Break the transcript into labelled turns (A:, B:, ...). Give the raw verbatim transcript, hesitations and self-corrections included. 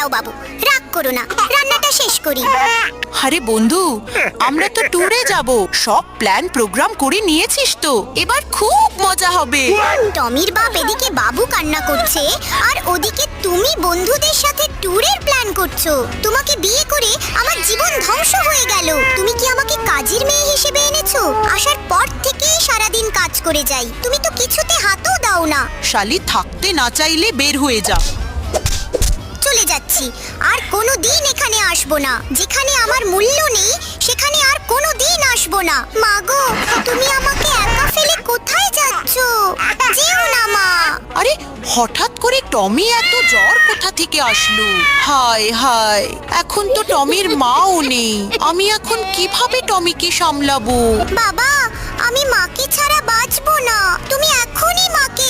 A: দাঁড়াও বাবু, রাগ করো না, রান্নাটা শেষ করি।
B: আরে বন্ধু, আমরা তো ট্যুরে যাব, সব প্ল্যান প্রোগ্রাম করে নিয়েছিস তো, এবার খুব মজা হবে।
A: টমির বাপ এদিকে বাবু কান্না করছে, আর ওদিকে তুমি বন্ধুদের সাথে ট্যুরের প্ল্যান করছো। তোমাকে বিয়ে করে আমার জীবন ধ্বংস হয়ে গেল। তুমি কি আমাকে কাজের মেয়ে হিসেবে এনেছো? আসার পর থেকেই সারাদিন কাজ করে যাই, তুমি তো কিছুতে হাতও দাও না।
B: শালি, থাকতে না চাইলে বের হয়ে যা।
A: চলে যাচ্ছি, আর কোনো দিন এখানে আসবো না। যেখানে আমার মূল্য নেই সেখানে আর কোনো দিন আসবো না। মা গো, তুমি আমাকে একা ফেলে কোথায় যাচ্ছো? যেও না মা।
B: আরে হঠাৎ করে টমি এত জ্বর কোথা থেকে আসলো? হায় হায়, এখন তো টমির মাও নেই, আমি এখন কিভাবে টমিকে সামলাবো?
A: বাবা, আমি মাকে ছাড়া বাঁচবো না। তুমি এখনই মাকে